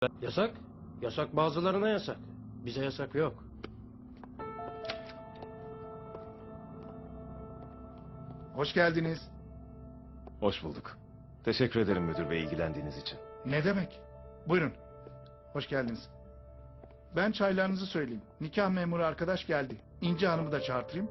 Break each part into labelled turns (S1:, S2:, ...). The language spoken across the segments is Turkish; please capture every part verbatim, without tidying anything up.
S1: Yasak. Yasak bazılarına yasak. Bize yasak yok.
S2: Hoş geldiniz.
S3: Hoş bulduk. Teşekkür ederim müdür bey ilgilendiğiniz için.
S2: Ne demek? Buyurun. Hoş geldiniz. Ben çaylarınızı söyleyeyim. Nikah memuru arkadaş geldi. İnci Hanım'ı da çağırtayım.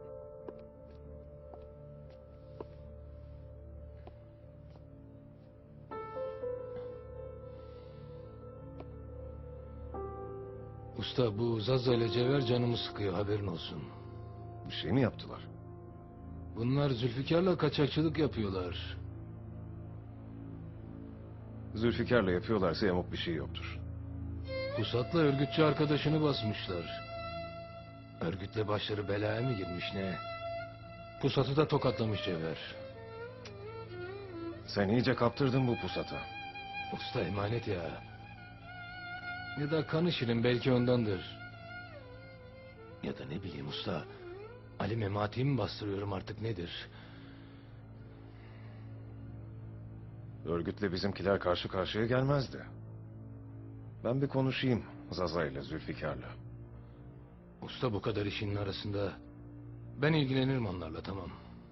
S4: Usta bu Zaza ile Cevher canımı sıkıyor, haberin olsun.
S3: Bir şey mi yaptılar?
S4: Bunlar Zülfikar'la kaçakçılık yapıyorlar.
S3: Zülfikar'la yapıyorlarsa yamuk bir şey yoktur.
S4: Pusat'la örgütçü arkadaşını basmışlar. Örgütle başları belaya mı girmiş ne? Pusat'ı da tokatlamış Cevher.
S3: Sen iyice kaptırdın bu pusata.
S4: Usta emanet ya. Ya da kanı şirin, belki ondandır. Ya da ne bileyim usta. Ali Memati'yi mi bastırıyorum artık, nedir?
S3: Örgütle bizimkiler karşı karşıya gelmezdi. Ben bir konuşayım Zaza ile Zülfikar'la.
S4: Usta bu kadar işin arasında ben ilgilenirim onlarla, tamam.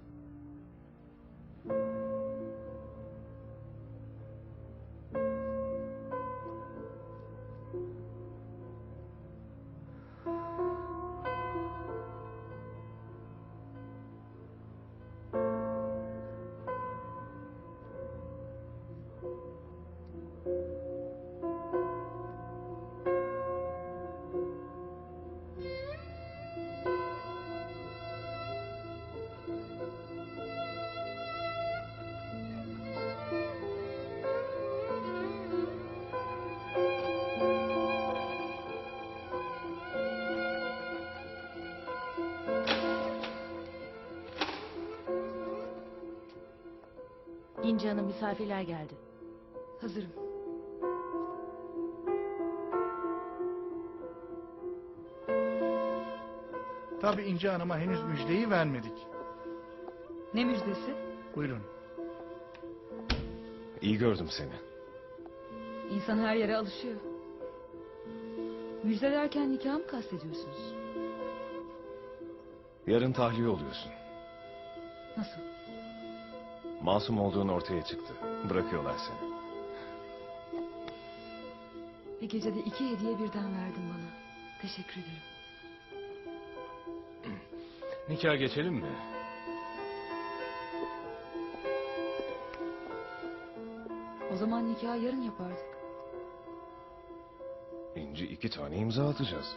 S5: İnci Hanım, misafirler geldi. Hazırım.
S2: Tabii İnci Hanım'a henüz müjdeyi vermedik.
S5: Ne müjdesi?
S2: Buyurun.
S3: İyi gördüm seni.
S5: İnsan her yere alışıyor. Müjde derken nikah mı kastediyorsunuz?
S3: Yarın tahliye oluyorsun.
S5: Nasıl?
S3: Masum olduğun ortaya çıktı. Bırakıyorlar seni.
S5: Bir gecede iki hediye birden verdin bana. Teşekkür ederim.
S4: Nikah geçelim mi?
S5: O zaman nikahı yarın yapardık.
S3: İnci iki tane imza atacağız.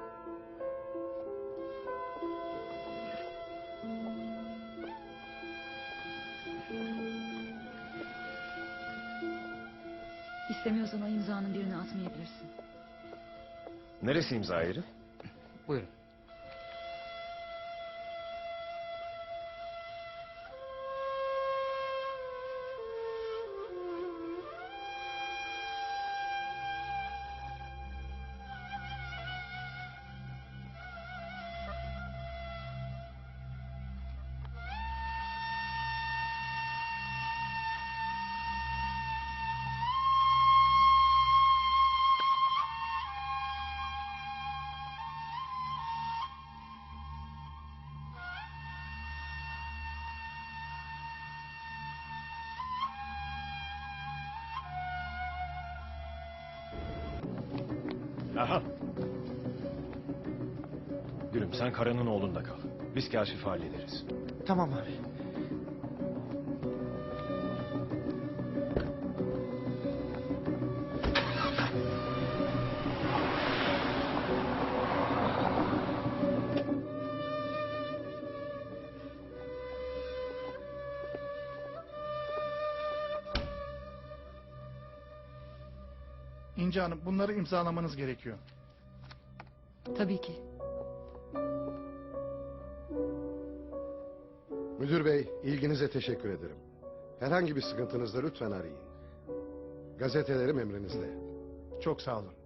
S5: İstemiyorsan o imzanın birini atmayabilirsin.
S3: Neresi imza yeri?
S4: Buyurun.
S3: Aha. Gülüm sen Kara'nın oğlunda kal. Biz Kaşif'i hallederiz.
S6: Tamam abi.
S2: İnci Hanım, bunları imzalamanız gerekiyor.
S5: Tabii ki.
S7: Müdür bey, ilginize teşekkür ederim. Herhangi bir sıkıntınızda lütfen arayın. Gazetelerim emrinizde.
S2: Çok sağ olun.